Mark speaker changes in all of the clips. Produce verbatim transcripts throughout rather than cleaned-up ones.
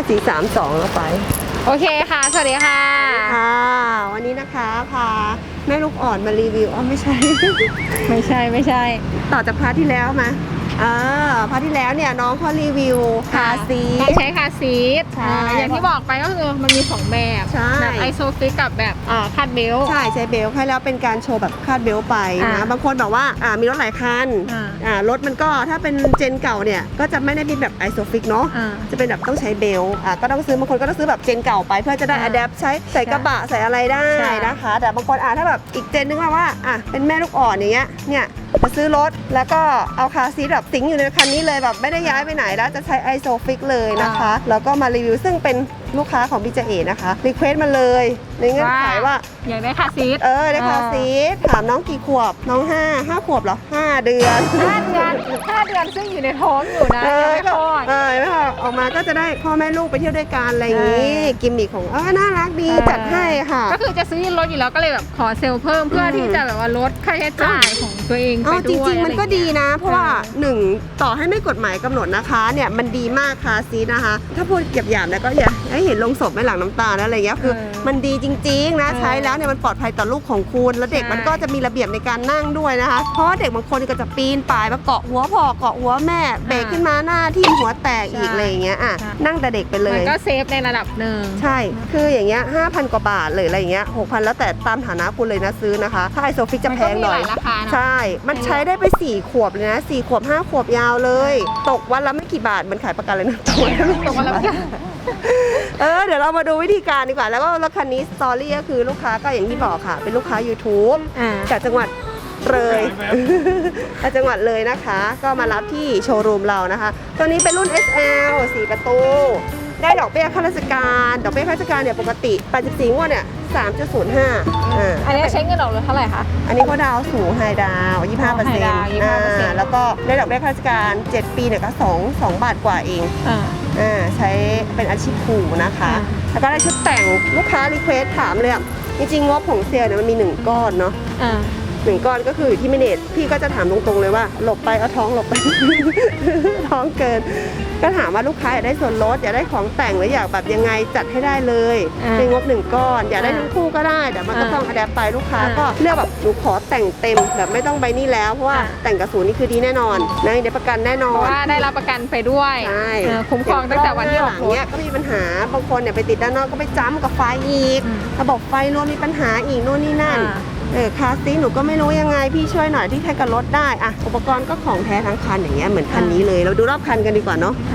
Speaker 1: สี่สามสองเราไป
Speaker 2: โอเคค่ะสวัสดีค่ะ
Speaker 1: ค่ะวันนี้นะคะพาแม่ลูกอ่อนมารีวิวอ๋อไม่ใช่
Speaker 2: ไม่ใช่ไม่ใช่
Speaker 1: ต่อจากพาร์ทที่แล้วมาอ่าพาร์ทที่แล้วเนี่ยน้องเขารีวิวคาซีท
Speaker 2: ต้องใช้คาซีท
Speaker 1: ใช่
Speaker 2: อย่างที่บอกไปก็คือมันมีสองแบบแบบไอโซฟิกกับแบบอ่าคาดเบล
Speaker 1: ใช่ใช้เบลให้แล้วเป็นการโชว์แบบคาดเบลไปนะบางคนแบบว่าอ่ามีรถหลายคันอ่ารถมันก็ถ้าเป็นเจนเก่าเนี่ยก็จะไม่ได้เป็นแบบไอโซฟิกเนาะจะเป็นแบบต้องใช้เบลอ่าก็ต้องซื้อบางคนก็ต้องซื้อแบบเจนเก่าไปเพื่อจะได้อะแดปใช้ใส่กระบะใส่อะไรได้นะคะแต่บางคนอ่าถ้าแบบอีกเจนนึงว่าอ่ะเป็นแม่ลูกอ่อนอย่างเงี้ยเนี่ยจะซื้อรถแล้วก็เอาคาซีทแบบสิงอยู่ในคันนี้เลยแบบไม่ได้ย้ายไปไหนแล้วจะใช้ไอโซฟิกเลยนะคะแล้วก็มารีวิวซึ่งเป็นลูกค้าของพี่เจเอนะคะรีเควสมาเลยในเงื่อนไขว่า
Speaker 2: อยากได้คาซีท
Speaker 1: เออได้คาซีทถามน้องกี่ขวบน้องห้าห้าขวบเหรอห้าเดือน
Speaker 2: ห้าเดือนห้าเดือนซึ่งอยู่ในท้องอยู่นะยังไม่คลอด
Speaker 1: เออไม่พอออกมาก็จะได้พ่อแม่ลูกไปเที่ยวด้วยกันอะไรอย่างนี้กิมมิคของเออน่ารักดีจัดให้ค่ะ
Speaker 2: ก็คือจะซื้อรถอยู่แล้วก็เลยแบบขอเซลล์เพิ่มเพื่อที่จะแบบว่าลดค่าใช้จ่ายของตัวเองไปด้วย
Speaker 1: จริงๆมันก็ดีนะเพราะว่าหนึ่งต่อให้ไม่กฎหมายกำหนดนะคะเนี่ยมันดีมากคาซีทนะคะถ้าพูดหยาบๆนะก็อย่าให้เห็นลงศพไม่หลังน้ำตาอะไรอย่างเงี้ยคือมันดีจริงๆนะใช้แล้วเนี่ยมันปลอดภัยต่อลูกของคุณแล้วเด็กมันก็จะมีระเบียบในการนั่งด้วยนะคะเพราะเด็กบางคนก็จะปีนป่ายมาเกาะหัวพ่อเกาะหัวแม่เบรกขึ้นมาหน้าที่หัวแตกอีกอะไรอย่างเงี้ยอ่ะนั่งแต่เด็กไปเลย
Speaker 2: มันก็เซฟในระดับหนึ่ง
Speaker 1: ใช่คืออย่างเงี้ยห้าพันกว่าบาทเลยอะไรอย่างเงี้ยหกพันแล้วแต่ตามฐานะคุณเลยนะซื้อนะคะถ้าไอโซฟิกจะแพงหน่อยใช่มันใช้ได้ไปสี่ขวบเลยนะสี่ขวบห้าขวบยาวเลยตกวันละไม่กี่บาทมันขายประกันเลยนะตกวันละไม่กี่บาทเออเดี๋ยวเรามาดูวิธีการดีกว่าแล้วก็รถคันนี้สตอรี่ก็คือลูกค้าก็อย่างที่บอกค่ะเป็นลูกค้า YouTube จากจังหวัดเลยจากจังหวัดเลยนะคะก็มารับที่โชว์รูมเรานะคะตัวนี้เป็นรุ่น เอส แอล สี่ประตูได้ดอกเบี้ยข้าราชการดอกเบี้ยข้าราชการเนี่ยปกติแปดสิบสี่งวดเนี่ย สามจุดศูนย์ห้า อ่า
Speaker 2: อันนี้ใช้เงินดอกเท่าไหร่คะ
Speaker 1: อันนี้ก็ดาวสูงไฮดาว ยี่สิบห้าเปอร์เซ็นต์ อ่าแล้วก็ได้ดอกเบี้ยข้าราชการเจ็ดปีเนี่ยก็สอง สองบาทกว่าเองอ่าอ่าใช้เป็นอาชีพครูนะคะแล้วก็ได้ชุดแต่งลูกค้ารีเควสถามเลยอ่ะจริงๆงบของเซลล์เนี่ยมันมีหนึ่งก้อนเนาะหนึ่งก้อนก็คืออยู่ที่เมเนจพี่ก็จะถามตรงๆเลยว่าหลบไปเอาท้องหลบไป ท้องเกินก็ถามว่าลูกค้าอยากได้ส่วนลดอยากได้ของแต่งหรืออยากแบบยังไงจัดให้ได้เลยเป็นงบหนึ่งก้อนอยากได้ทั้งคู่ก็ได้แต่มันก็ต้องอะแดปไปลูกค้าก็เลือกแบบหนูขอแต่งเต็มแบบไม่ต้องใบนี้แล้วเพราะว่าแต่งกระสุนนี่คือดีแน่นอนนะได้ประกันแน่นอน
Speaker 2: ว่าได้รับประกันไปด้วยคุ้มครองตั้งแต่วันที่ออกรถ
Speaker 1: เนี้ยก็มีปัญหาบางคนเนี่ยไปติดด้านนอกก็ไปจ้ำกับไฟอีกระบบไฟรวมมีปัญหาอีกโน่นนี่นั่นเออคาซีหนูก็ไม่รู้ยังไงพี่ช่วยหน่อยที่ใช้กับรถได้อะอุปกรณ์ก็ของแท้ทั้งคันอย่างเงี้ยเหมือนคันนี้เลยเราดูรอบคันกันดีกว่าเนาะ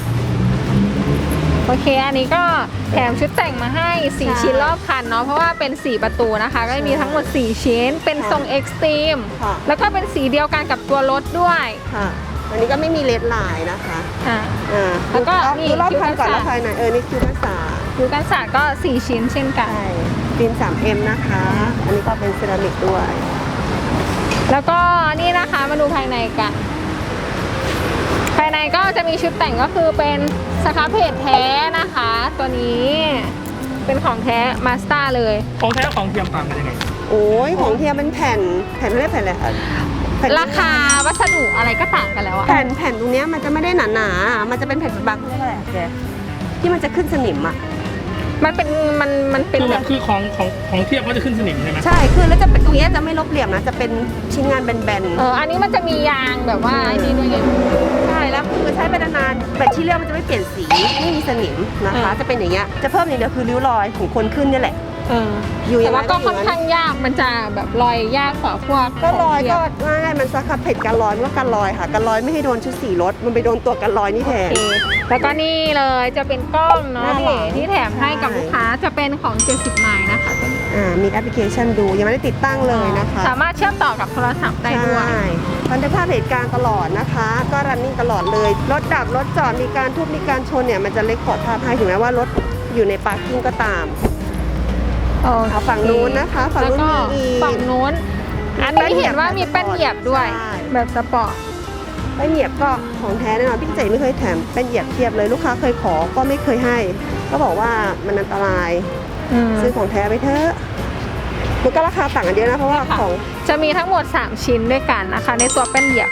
Speaker 2: โอเคอันนี้ก็แถมชุดแต่งมาให้สี่ชิ้นรอบคันเนาะเพราะว่าเป็นสี่ประตูนะคะก็มีทั้งหมดสี่ชิ้นเป็นทรงเอ็กซ์ตรีมแล้วก็เป็นสีเดียวกันกับตัวรถด้วย
Speaker 1: ค่ะอันนี้ก็ไม่มีเลดลายนะคะ
Speaker 2: อ่าอ่าแล้วก็
Speaker 1: ดูรอบคันก่อนรอบคันไหนเออนี่คิวกันศาสตร์
Speaker 2: คิวกันศาสตร์ก็สี่ชิ้นเช่นกัน
Speaker 1: ฟิล์ม ทรี เอ็ม นะคะอันนี้ก็เป็นเซรามิกด้วย
Speaker 2: แล้วก็นี่นะคะมาดูภายในกันภายในก็จะมีชุดแต่งก็คือเป็นสครับเพจแท้นะคะตัวนี้เป็นของแท้มาสเตอร์เลย
Speaker 3: ของแท้ของเทียมต่างกันยังไง
Speaker 1: โอ้ยของเทียมเป็นแผ่นแผ่นเรียกแผ่นอะไรคะ
Speaker 2: ราคาวัสดุอะไรก็ต่างกันแล้วอะ
Speaker 1: แผ่นแผ่นตรงนี้มันจะไม่ได้หนาหนามันจะเป็นแผ่นบางเรียกอะไรแกที่มันจะขึ้นสนิมอะ
Speaker 2: มันเป็นมันมันเป็น
Speaker 3: แบบคือของของของเทียบก็จะขึ้นสนิมใช่ไหม
Speaker 1: ใช่คือแล้วจะเป็นตรงนี้จะไม่ลบเหลี่ยมนะจะเป็นชิ้นงานแบนๆ
Speaker 2: เอออันนี้มันจะมียางแบบว่าไอ้นี่ด้วย
Speaker 1: ใช่แล้วคือใช้ไปนานๆแบตที่เรียกมันจะไม่เปลี่ยนสีไม่มีสนิมนะคะจะเป็นอย่างเงี้ยจะเพิ่มอย่างเดียวคือริ้วรอยของคนขึ้นนี่แหละ
Speaker 2: เอออยู่แต่ว่าก็ค่อนข้างยากมันจะแบบรอยยากกว่าพวก
Speaker 1: ก็รอยก็ง่ายมันซักขับเผ็ดกันรอยมันก็กันรอยค่ะกันรอยไม่ให้โดนชุดสีรถมันไปโดนตัวกันรอยนี่แทน
Speaker 2: แล้วก็นี่เลยจะเป็นกล้องเนาะที่ที่แถมให้กับลูกค้าจะเป็นของเจ็ดสิบไมล์นะคะ
Speaker 1: อ่ามีแอปพลิเคชันดูยังไม่ได้ติดตั้งเลยนะคะ
Speaker 2: สามารถเชื่อมต่อกับโทรศัพท์ได้ด้วย
Speaker 1: บันทึกภาพเหตุการณ์ตลอดนะคะก็รันนิ่งตลอดเลยรถดับรถจอดมีการทุบมีการชนเนี่ยมันจะเล็กขอดภาพให้ถึงแม้ว่ารถอยู่ในปาร์กิ้งก็ตามเอาฝั่งนู้นนะคะฝั่งนู้นมีอีก
Speaker 2: ฝั่งนู้นอันนี้เห็นว่ามีแป้นเหยียบด้วยแบบสปอร์ต
Speaker 1: แป้นเหยียบก็ของแท้แน่นอนพี่เจ๋ไม่เคยแถมแป้นเหยียบเทียบเลยลูกค้าเคยขอก็ไม่เคยให้ก็บอกว่ามันอันตรายซื้อของแท้ไปเถอะมันก็ราคาต่างกันเยอะนะเพราะว่าของ
Speaker 2: จะมีทั้งหมดสามชิ้นด้วยกันนะคะในตัวแป้นเหยียบ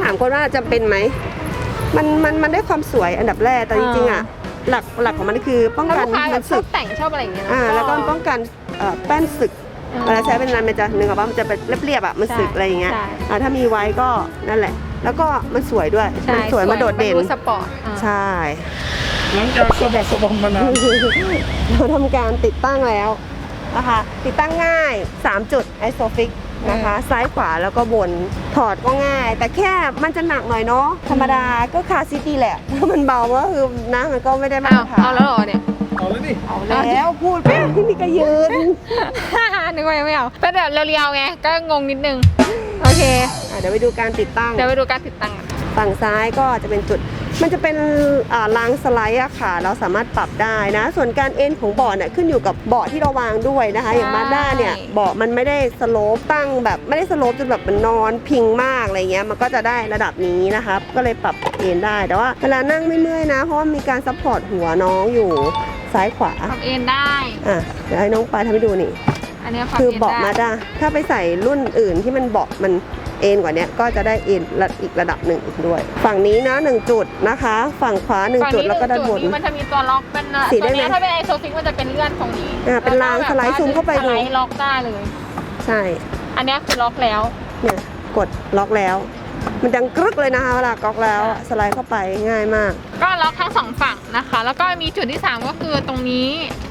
Speaker 1: ถามคนว่าจำเป็นไหมมันมันมันได้ความสวยอันดับแรกแต่จริงๆอ่ะหลักหลักของมันคือป้อง
Speaker 2: แล้ว
Speaker 1: กั
Speaker 2: ลู
Speaker 1: น
Speaker 2: กค้าแบ
Speaker 1: มั
Speaker 2: บ
Speaker 1: น
Speaker 2: ช
Speaker 1: สึ
Speaker 2: อบ
Speaker 1: ก
Speaker 2: แต่งชอบอะไรอย่างเงี้ย
Speaker 1: อ่าแล้วก็ป้องกันเอ่อแป้นสึกเวลาใช้เป็นนานมันจะนึกออกว่ามันจะเป็นเรียบๆอ่ะมันสึกอะไรอย่างเงี้ยอ่าถ้ามีไว้ก็นั่นแหละแล้วก็มันสวยด้วยมันสวยมันโดดเด่น
Speaker 2: สปอร์ต
Speaker 1: ใช่
Speaker 3: หลังจากสะบัดสะบอมมานาน
Speaker 1: เราทำการติดตั้งแล้วนะคะติดตั้งง่ายสามจุดไอโซฟิกนะคะซ้ายขวาแล้วก็บนถอดก็ง่าย แต่แค่มันจะหนักหน่อยเนาะธรรมดาก็คาซิตี้แหละถ้ามันเบาก็คือนะมันก็ไม่ได้มา
Speaker 2: อ้า
Speaker 1: ต
Speaker 2: ว
Speaker 1: รฐาน
Speaker 2: เอาแล้วเหรอเนี่ย
Speaker 3: เอาเลยดิ
Speaker 1: เอาแล้วพูดไปนี่ก็ยืน
Speaker 2: นึกว่ายังไม่เอาเป็นแบบเรียวๆไงก็งงนิดนึงโอเค
Speaker 1: อ่ะเดี๋ยวไปดูการติดตั้ง
Speaker 2: เดี๋ยวไปดูการติดตั้งกัน
Speaker 1: ฝั่งซ้ายก็จะเป็นจุด มันจะเป็นอ่ารางสไลด์อะค่ะ เราสามารถปรับได้นะ ส่วนการเอ็นของเบาะเนี่ยขึ้นอยู่กับเบาะที่เราวางด้วยนะคะ อย่างมาด้าเนี่ยเบาะมันไม่ได้สโลปตั้งแบบไม่ได้สโลปจนแบบมันนอนพิงมากอะไรเงี้ย มันก็จะได้ระดับนี้นะคะก็เลยปรับเอ็นได้ แต่ว่าเวลานั่งไม่เมื่อยนะ เพราะว่ามีการซัพพอร์ตหัวน้องอยู่ซ้ายขวา
Speaker 2: ปรับเอนได้
Speaker 1: อ่ะเดี๋ยวให้น้องปลายทำให้ดูนี่
Speaker 2: อันนี้ปรับ
Speaker 1: คือ
Speaker 2: เอน
Speaker 1: เบาะ
Speaker 2: ได้
Speaker 1: มาด้าถ้าไปใส่รุ่นอื่นที่มันเบาะมันเอ็นกว่านี้ก็จะได้เอ็นระอีกระดับหนึ่งอีกด้วย ฝั่งนี้นะหนึ่งจุดนะคะ ฝั่งขวาหนึ่ง
Speaker 2: ฝั่
Speaker 1: จุดแล้วก็ด้านบน
Speaker 2: มันจะมีตัวล็อกเป็น
Speaker 1: สี
Speaker 2: ตัว
Speaker 1: ได้ไหม
Speaker 2: นี้ถ้าเป็นไอโซฟิกมันจะเป็นเลื่อนตรงนี้
Speaker 1: อ่าเป็นรางสไลด์ซูมเข้าไปดู
Speaker 2: สไลด์ล็อกได้เลย
Speaker 1: ใช่
Speaker 2: อันนี้คือล็อกแล้ว
Speaker 1: เนี่ยกดล็อกแล้ว มันดังกรึกเลยนะคะเวลาก๊อกแล้วสไลด์เข้าไปง่ายมาก
Speaker 2: ก็ล็อกทั้งสองฝั่งนะคะ แล้วก็มีจุดที่สามก็คือตรงนี้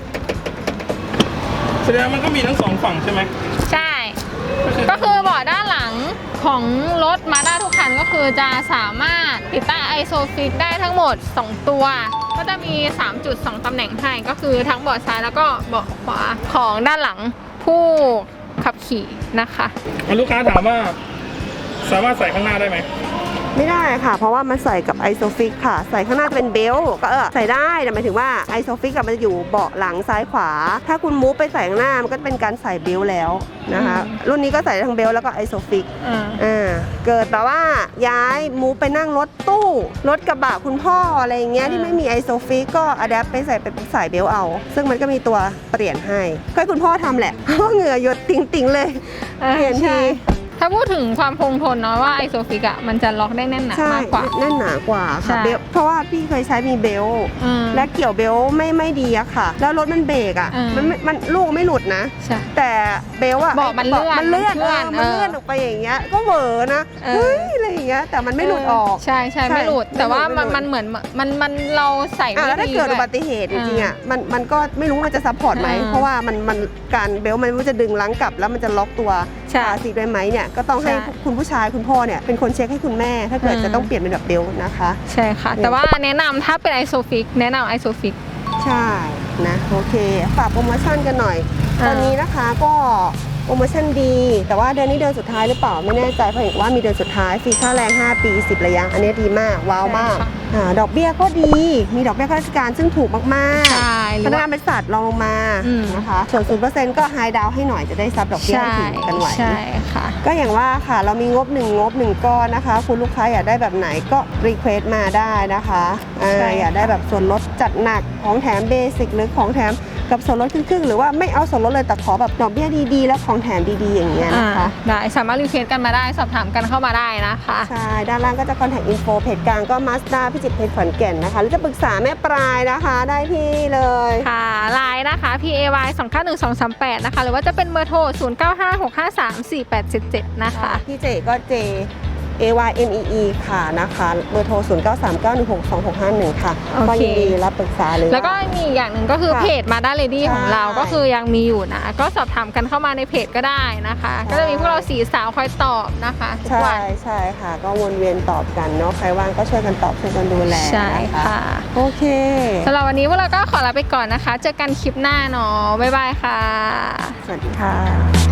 Speaker 3: แสดงมันก็มีทั้งสองฝั่งใช่ไหม
Speaker 2: ใช่ ก็คือเบาะด้านหลังของรถมาด้าทุกคันก็คือจะสามารถติดตั้งไอโซฟิกได้ทั้งหมดสองตัว ก็จะมีสามจุดสองตำแหน่งให้ก็คือทั้งเบาะซ้ายแล้วก็เบาะขวาของด้านหลังผู้ขับขี่นะคะ
Speaker 3: ลูกค้าถามว่า สามารถใส่ข้างหน้าได้ไหม
Speaker 1: ไม่ได้ค่ะ เพราะว่ามันใส่กับไอโซฟิกค่ะ ใส่ข้างหน้าจะเป็นเบลต์ก็เออใส่ได้แต่หมายถึงว่าไอโซฟิกกับมันจะอยู่เบาะหลังซ้ายขวา ถ้าคุณมูฟไปใส่ข้างหน้ามันก็จะเป็นการใส่เบลต์แล้วนะคะ รุ่นนี้ก็ใส่ทั้งเบลต์แล้วก็ไอโซฟิก
Speaker 2: อ่า
Speaker 1: อ่าเกิดแบบว่าย้ายมูฟไปนั่งรถตู้รถกระบะคุณพ่ออะไรอย่างเงี้ยที่ไม่มีไอโซฟิกก็อะแดปไปใส่เป็นสายเบลต์เอา ซึ่งมันก็มีตัวเปลี่ยนให้ก็ให้คุณพ่อทำแหละ เพราะเหงื่อหยดติ่งๆเลยเปลี่ยนที
Speaker 2: ถ้าพูดถึงความคงทนเนาะว่าไอโซฟิกอะมันจะล็อกได้แน่นหนา
Speaker 1: ใช่
Speaker 2: มากกว่า
Speaker 1: แน่นหนากว่า
Speaker 2: ใช่
Speaker 1: ค่ะเบลต์เพราะว่าพี่เคยใช้มีเบลต์
Speaker 2: อืม
Speaker 1: และเกี่ยวเบลต์ไม่ไม่ดีอะค่ะ แล้วรถมันเบรกอะ
Speaker 2: อืม
Speaker 1: มันไม่มันลูกไม่หลุดนะ
Speaker 2: ใช่
Speaker 1: แต่เบลต์อะ
Speaker 2: เบาะมันเลื่อน
Speaker 1: มันเลื่อน
Speaker 2: มันเคลื่อน
Speaker 1: เออมันเลื่อน
Speaker 2: เออ
Speaker 1: ออกไปอย่างเงี้ยก็เหวอนะ
Speaker 2: เออ
Speaker 1: เฮ้ยอะไรอย่างเงี้ยแต่มันไม่หลุดออก
Speaker 2: ใช่ใช่
Speaker 1: ใช่
Speaker 2: ไม่หลุด แต่ว่า
Speaker 1: ไม่
Speaker 2: มัน
Speaker 1: หลุด
Speaker 2: มันเหมือนมันมันเราใส่
Speaker 1: อ่ะ
Speaker 2: ไม่
Speaker 1: แล้วถ้า
Speaker 2: ดี
Speaker 1: เกิด
Speaker 2: ด้
Speaker 1: อุ
Speaker 2: วย
Speaker 1: บัติเหตุจริงๆอ่ะ
Speaker 2: อ่า
Speaker 1: มันมันก็ไม่รู้มันจะซัพพอร์ตไหม
Speaker 2: อ่า
Speaker 1: เพราะว่ามันมันการเบลต์มันไม่รู้จะดึงลังกลับ แล้วมันจะล็อกตัว
Speaker 2: ใช่
Speaker 1: ขาซีได้ไหมเนี่ยก็ต้องให้
Speaker 2: ใช่
Speaker 1: คุณผู้ชายคุณพ่อเนี่ยเป็นคนเช็คให้คุณแม่ ถ้าเกิด
Speaker 2: อืม
Speaker 1: จะต้องเปลี่ยนเป็นแบบเบลต์นะคะ
Speaker 2: ใช่ค่ะ แต่ว่าแนะนำถ้าเป็นไอโซฟิกแนะนำไอโซฟิก
Speaker 1: ใช่นะโอเคฝากโปรโมชั่นกันหน่อย
Speaker 2: อ่า
Speaker 1: ตอนนี้นะคะก็โปรโมชั่นดี แต่ว่าเดือนนี้เดือนสุดท้ายหรือเปล่าไม่แน่ใจเพราะเห็นว่ามีเดือนสุดท้ายฟรีค่าแรงห้าปีสิบระยะอันนี้ดีมากว้าวมากอ่าดอกเบี้ยก็ดีมีดอกเบี้ยข้าราชการซึ่งถูกมาก
Speaker 2: ใช่ห
Speaker 1: ๆพ
Speaker 2: รือ
Speaker 1: นัก
Speaker 2: ว่าง
Speaker 1: านบริษัทลองลงมา
Speaker 2: อืม
Speaker 1: นะคะส่วนศูนย์เปอร์เซ็นต์ก็ไฮดาวให้หน่อยจะได้ซับดอกเบี้ย
Speaker 2: ใช่
Speaker 1: ให้ถึงกันไหว
Speaker 2: ใช่ค่ะ
Speaker 1: ก็อย่างว่าค่ะเรามีงบหนึ่งงบหนึ่งก้อนนะคะ คุณลูกค้าอยากได้แบบไหนก็รีเควสต์มาได้นะคะอ่า
Speaker 2: ใช่
Speaker 1: อยากได้แบบส่วนลดจัดหนักของแถมเบสิกหรือของแถมกับส่วนลดครึ่งๆหรือว่าไม่เอาส่วนลดเลยแต่ขอแบบดอกเบี้ยดีๆ แล้วของแถมดีๆอย่างเงี้ย
Speaker 2: อ่า
Speaker 1: นะคะ
Speaker 2: ได้สามารถรีเควสกันมาได้สอบถามกันเข้ามาได้นะคะ
Speaker 1: ใช่ ด้านล่างก็จะ contact info เพจกลางก็ Mazda พิจิตรเพจขอนแก่นนะคะหรือจะปรึกษาแม่ปลายนะคะได้ที่เลย
Speaker 2: ค่ะไลน์นะคะ พี เอ วาย สอง เก้า หนึ่ง สอง สาม แปด นะคะ หรือว่าจะเป็นเบอร์โทร ศูนย์ เก้า ห้า หก ห้า สาม สี่ แปด เจ็ด เจ็ด นะคะ
Speaker 1: พี่เจก็ J A Y M E E ค่ะนะคะเบอร์โทร ศูนย์ เก้า สาม เก้า หนึ่ง หก สอง หก ห้า หนึ่ง ค่ะ
Speaker 2: โอเค
Speaker 1: ก็ยินดีรับปรึกษาเลย
Speaker 2: แล้วก็มีอีกอย่างหนึ่งก็คือ
Speaker 1: ค่ะ
Speaker 2: เพจมาด้าเลดี้ของเรา
Speaker 1: ใช่
Speaker 2: ก็คือยังมีอยู่นะ ก็สอบถามกันเข้ามาในเพจก็ได้นะคะ
Speaker 1: ใช่
Speaker 2: ก็จะมีพวกเราสีสาวคอยตอบนะคะทุก
Speaker 1: ใช่
Speaker 2: วัน
Speaker 1: ใช่ค่ะ ก็วนเวียนตอบกันเนาะใครว่างก็ช่วยกันตอบช่วยกันดูแล
Speaker 2: ใช่
Speaker 1: น
Speaker 2: ค่ะ
Speaker 1: โอเค
Speaker 2: สำหรับวันนี้พวกเราก็ขอลาไปก่อนนะคะ เจอกันคลิปหน้าเนาะบ๊ายบายค่ะ
Speaker 1: สวัสดีค่ะ